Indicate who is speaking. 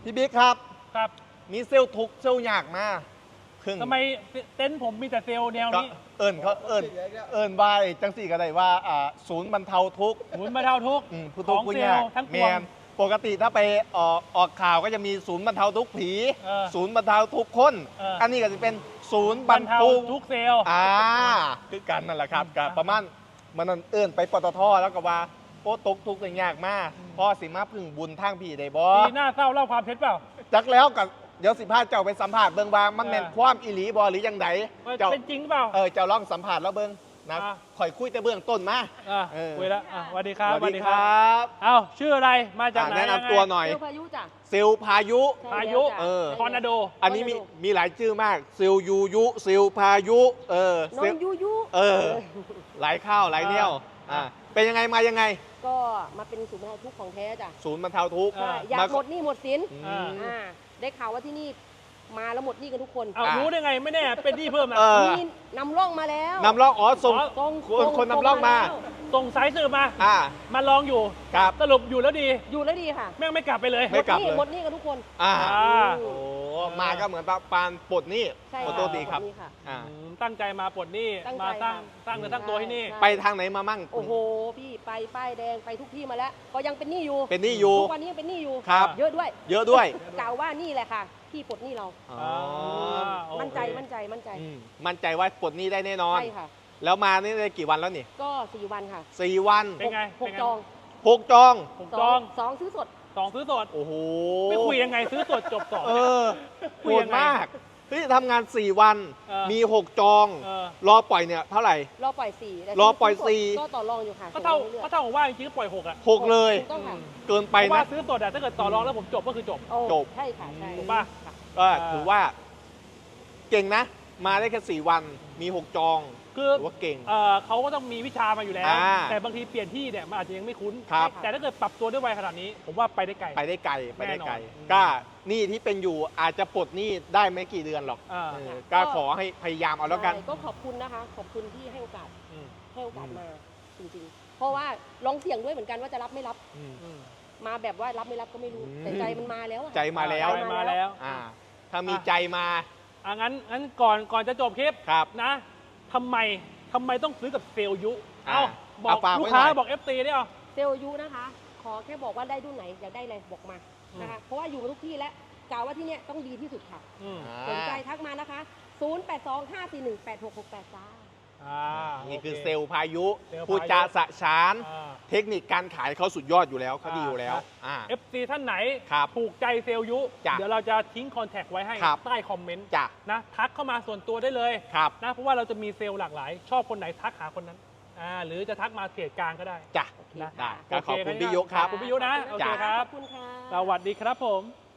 Speaker 1: พี่บิ๊กครับ
Speaker 2: ครับ
Speaker 1: มีเซลล์ทุกข์เซลล์ยากมาก
Speaker 2: ทำไมเต็นท์ผมมีแต่เซลล์แนว
Speaker 1: ก็
Speaker 2: นี้
Speaker 1: เอิญวายจังสี่ก็ได้ว่าศูนย์บรรเทาทุกข์
Speaker 2: หมุนมาเท่าทุกข์
Speaker 1: ผู้
Speaker 2: ข
Speaker 1: ทุก
Speaker 2: อง
Speaker 1: ข์ผู้
Speaker 2: เซล
Speaker 1: ยาก
Speaker 2: ล์ทั้งป
Speaker 1: แม
Speaker 2: วง
Speaker 1: นปกติถ้าไปออกข่าวก็จะมีศูนย์บรรเทาทุกข์ผี
Speaker 2: เออ
Speaker 1: ศูนย์บรรเทาทุกข์คน
Speaker 2: อั
Speaker 1: นนี้ก็จะเป็นศูนย์บบ ร
Speaker 2: ร
Speaker 1: ร
Speaker 2: รเทา
Speaker 1: เทา
Speaker 2: ทุกเซลล์
Speaker 1: คือกันนั่นแหละครับกับประมาณมันนั่นเอิญไปปตทแล้วก็ว่าโอ้ตกทุกข์ยากมากพ่อสิมาพึ่งบุญทางผีได้บ่
Speaker 2: ปีหน้าเศร้าเล่าความเท็จเปล่า
Speaker 1: จักแล้วกับเดี๋ยว15เจ้าไปสัมผัสเบิ่งว่ามันแม่นความอีหลีบ่หรือยังไง
Speaker 2: ว่า
Speaker 1: เจ้า
Speaker 2: เป็นจริงเปล่า
Speaker 1: เจ้าลองสัมผัสแล้วเบิ่งนะ
Speaker 2: อ่ะ
Speaker 1: ข่อยคุยแต่เบื้องต้นมา เออ
Speaker 2: คุยแล้วสวัสดีครับ
Speaker 1: สวัสดีครับ
Speaker 2: เอ้าชื่ออะไรมาจากไหน
Speaker 1: แนะนำตัวหน่อย
Speaker 3: เซลลพายุจ้ะ
Speaker 1: ซิลพายุ
Speaker 3: ใช่
Speaker 2: พา
Speaker 3: แล้ว
Speaker 2: ยุ
Speaker 3: จ้ะ
Speaker 1: เออ
Speaker 2: ทอร์นาโด
Speaker 1: อันนี้มีหลายชื่อมากซิลยูยุซิลพายุ
Speaker 3: น้อ
Speaker 1: ซิล
Speaker 3: งยุยุ
Speaker 1: หลายข้าวหลายเนี่ยวเป็นยังไงมายังไง
Speaker 3: ก็มาเป็นศูนย์บรรเทาทุกข์ของแท้จ้ะ
Speaker 1: ศูนย์บรรเทาทุกข์
Speaker 2: อ่า
Speaker 3: อยากหมดหนี้หมดสิน
Speaker 1: อืม
Speaker 3: ได้ข่าวว่าที่นี่มาแล้วหมดหนี้กันทุกคน
Speaker 2: เอารู้ได้ไงไม่แน่เป็นที่เพิ่มนะ
Speaker 3: มีนำร่องมาแล้ว
Speaker 1: นำร่องส่ง
Speaker 3: ตรง
Speaker 1: คนนำร่องมา
Speaker 3: แล้ว
Speaker 2: ส่งสายสืบมา
Speaker 1: อ่า
Speaker 2: มาลองอยู่
Speaker 1: ครับ
Speaker 2: สรุปอยู่แล้วดี
Speaker 3: อยู่แล้วดีค่ะ
Speaker 2: แม่งไม่กลับไปเลย
Speaker 1: ไม่กลับ
Speaker 3: หมดหนี้กันทุกคน
Speaker 1: อ่า
Speaker 2: อ่า
Speaker 1: โอ้มาก็เหมือนปานปลดหนี่
Speaker 3: ใช่
Speaker 1: ขอโทษทีครับ
Speaker 3: หมดหนี้ค่ะ
Speaker 1: อ่า
Speaker 2: ตั้งใจมาปลดหนี้
Speaker 3: ตั้งใจ
Speaker 2: มาสร้าง
Speaker 3: ค่ะ
Speaker 2: สร้างเนื้อสร้างตัวให้นี่
Speaker 3: ใช่
Speaker 1: ไปทางไหนมามั่ง
Speaker 3: โอ้โหพี่ไปป้ายแดงไปทุกที่มาแล้ว ก็ยังเป็นหนี้อยู่
Speaker 1: เป็นหนี้อยู่
Speaker 3: ทุกวันนี้ยังเป็นหนี้อยู่
Speaker 1: ครับ
Speaker 3: เยอะด้วย
Speaker 1: เยอะด้วย
Speaker 3: กล่าวว่านี่แหละค่ะที่ปลดหนี้เรา
Speaker 1: อ๋อ
Speaker 2: โอเค
Speaker 3: มั่นใจมั่นใจมั่นใจ
Speaker 1: มั่นใจว่าปลดหนี้ได้แน่นอน
Speaker 3: ใช่ค่ะ
Speaker 1: แล้วมานี่ได้กี่วันแล้วนี่
Speaker 3: ก็4 วันค่ะ
Speaker 1: 4 วัน
Speaker 2: เป็นไง
Speaker 3: หก
Speaker 2: เป็นไง
Speaker 3: จอง
Speaker 1: 6 จอง
Speaker 2: ผมจอง
Speaker 3: สองซื้อสด
Speaker 2: 2ซื้อสด
Speaker 1: โอ้โห
Speaker 2: ไม่คุยยังไงซื้อสดจบ2
Speaker 1: เออ
Speaker 2: คุ
Speaker 1: โห
Speaker 2: ยยั
Speaker 1: ด
Speaker 2: งไง
Speaker 1: มากเฮ้ยทำงาน 4 วัน
Speaker 2: เออ
Speaker 1: มี 6 จอง
Speaker 2: เออ
Speaker 1: รอปล่อยเนี่ยเท่าไหร่
Speaker 3: รอปล่อย4แต่
Speaker 1: รอปล่อย
Speaker 3: ซื้สด
Speaker 1: สี่
Speaker 3: ก็ต่อรองอยู่ค่ะ
Speaker 2: ก็เท่า
Speaker 3: ส่งรื่อยๆ
Speaker 2: ก็เท่ากับว่าจริงๆก็ปล่อย6อ่ะ
Speaker 1: 6 เลย
Speaker 3: ถูกต้องค่ะ
Speaker 1: เกินไป
Speaker 2: เพราะว่า
Speaker 1: นะ
Speaker 2: ซื้อสดอะถ้าเกิดต่อรองแล้วผมจบก็คือจบ
Speaker 3: โอ้
Speaker 1: จบ
Speaker 3: ใช่ค่ะใช่
Speaker 2: ถูกป่ะ
Speaker 3: ค่ะ
Speaker 1: ก็ถือว่า เก่งนะ มาได้แค่ 4 วันมี 6 จอง
Speaker 2: คือ
Speaker 1: ถือว่าเก่ง
Speaker 2: เขาก็ต้องมีวิชามาอยู่แล้ว
Speaker 1: อ่า
Speaker 2: แต่บางทีเปลี่ยนที่เนี่ยมันอาจจะยังไม่คุ้น
Speaker 1: ครับ
Speaker 2: แต่ถ้าเกิดปรับตัวด้วยวัยขนาดนี้ ผมว่าไปได้ไกล
Speaker 1: ไปได้ไกลไปได้ไกล
Speaker 2: แน่นอน
Speaker 1: ก็หนี่ที่เป็นอยู่อาจจะปลดหนี้ได้ไม่กี่เดือนหรอก
Speaker 2: อ่า
Speaker 1: ก็ขอให้พยายามเอาแล้วกัน
Speaker 3: ใช่ก็ขอบคุณนะคะ ขอบคุณที่ให้โอกาส
Speaker 2: อืม
Speaker 3: ให้โอกาสมาจริงๆ เพราะว่าลองเสี่ยงด้วยเหมือนกันว่าจะรับไม่รับ
Speaker 2: อืม
Speaker 3: มาแบบว่ารับไม่รับก็ไม่รู้ แต่ใจมันมาแล้วอะ
Speaker 1: ใจมาแล้ว
Speaker 2: ใจมาแล้ว
Speaker 1: ถ้ามีใจมา
Speaker 2: งั้นก่อนจะจบคลิป
Speaker 1: ครับ
Speaker 2: นะทำไมต้องซื้อกับเซลล์ยุ
Speaker 1: อ่า
Speaker 2: บอก
Speaker 1: เอาฝาก
Speaker 2: ลูก
Speaker 1: ไว้
Speaker 2: ค้า
Speaker 1: หน่อย
Speaker 2: บอก FT ได้เอา
Speaker 3: เซลล์ยุนะคะ ขอแค่บอกว่าได้รุ่นไหนอยากได้อะไรบอกมานะคะ เพราะว่าอยู่มาทุกที่แล้วกล่าวว่าที่เนี่ยต้องดีที่สุดค่ะ
Speaker 2: อืม
Speaker 3: สนใจทักมานะคะ 0825418668 จ้า
Speaker 1: นี่คือ
Speaker 2: โ
Speaker 1: เซลล์พายุ
Speaker 2: เซลล์พายุ
Speaker 1: พูดจาสะฉาน
Speaker 2: อ่า
Speaker 1: เทคนิคการขายเขาสุดยอดอยู่แล้วเขาดีอยู่แล้ว
Speaker 2: FC ท่านไหน
Speaker 1: ครับ
Speaker 2: ถูกใจเซลล์ยุ
Speaker 1: จ้ะ
Speaker 2: เดี๋ยวเราจะทิ้งคอนแทคไว้ให้
Speaker 1: ครับ
Speaker 2: ใต้คอมเมนต์
Speaker 1: จ้ะ
Speaker 2: นะทักเข้ามาส่วนตัวได้เลย
Speaker 1: ครับ
Speaker 2: นะเพราะว่าเราจะมีเซลล์หลากหลาย ชอบคนไหนทักหาคนนั้นหรือจะทักมาเพจกลางก็ได้
Speaker 1: จ้ะ
Speaker 2: นะ
Speaker 1: ได้ก็ขอบคุณ
Speaker 2: โเ
Speaker 1: พี่ยุครับ
Speaker 2: ขอบคุณพี่ยุนะโอเค
Speaker 1: จ้ะ
Speaker 2: ครั
Speaker 3: ข
Speaker 2: บ
Speaker 3: อบคุณค่ะ
Speaker 2: สวัสดีครับผม